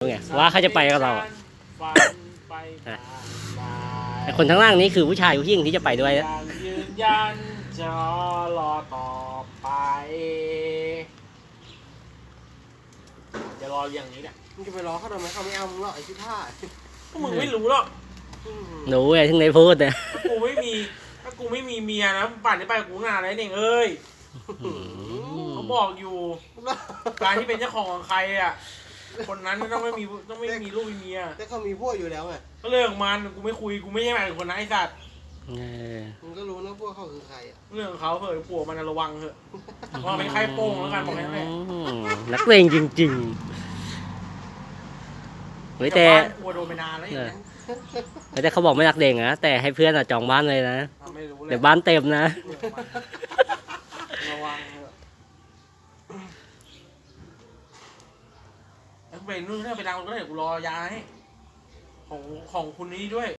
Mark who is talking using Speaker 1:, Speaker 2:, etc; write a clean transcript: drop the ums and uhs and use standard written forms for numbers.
Speaker 1: ไงว่าเขาจะไปกับเราอะ
Speaker 2: ฝันไปผ่านไป
Speaker 1: แต่คนข้างล่างนี้คือผู้ชายผู้หญิงที่จะไปด้วยนะ
Speaker 2: ยังยืนยันจะรอต่อไปจะรออย่างนี้แหละ
Speaker 3: มึงจะไปรอเขาทำไมเขาไม่เอามึงหรอกไอ้ที่ท่า
Speaker 2: ก็มึงไม่รู้หรอก
Speaker 1: หนูไงถึงได้พูดเนี่ย
Speaker 2: ถ้ากูไม่มีเมียนะป่านนี้ไปกับกูงานอะไรเนี่ยเอ้ยเขาบอกอยู่การที่เป็นเจ้าของใครอ่ะคนนั้นต้องไม่มีลูกมีเมีย
Speaker 3: แต่เขามีพวกอยู่แล้วไง
Speaker 2: ก็เรื่องของมันกูไม่คุยกูไม่ใช่หมายถึงคนนั้นไอ้สัตว์
Speaker 3: มึงก็รู้นะพวกเขาคือใครอ่ะ
Speaker 2: เรื่องของเขาเถอะผัวมันระวังเถอะว่าเป็นใครโป้งแล้วกันบอกแค่นั้นแหละ
Speaker 1: นักเลงจริงๆเฮ้ยแต่
Speaker 2: กลัวโดนไปนานแล้วอย่างเงี้ย
Speaker 1: แต่เขาบอกไม่นักเลงนะแต่ให้เพื่อนจองบ้านเลยนะ
Speaker 2: ไม่รู้เลย
Speaker 1: เดี๋ยวบ้านเต็มนะ
Speaker 2: ระวังเถอะแล้วไปนู่นถ้าไปดังก็ได้เดี๋ยวกูรอยาให้ของคุณนี้ด้วย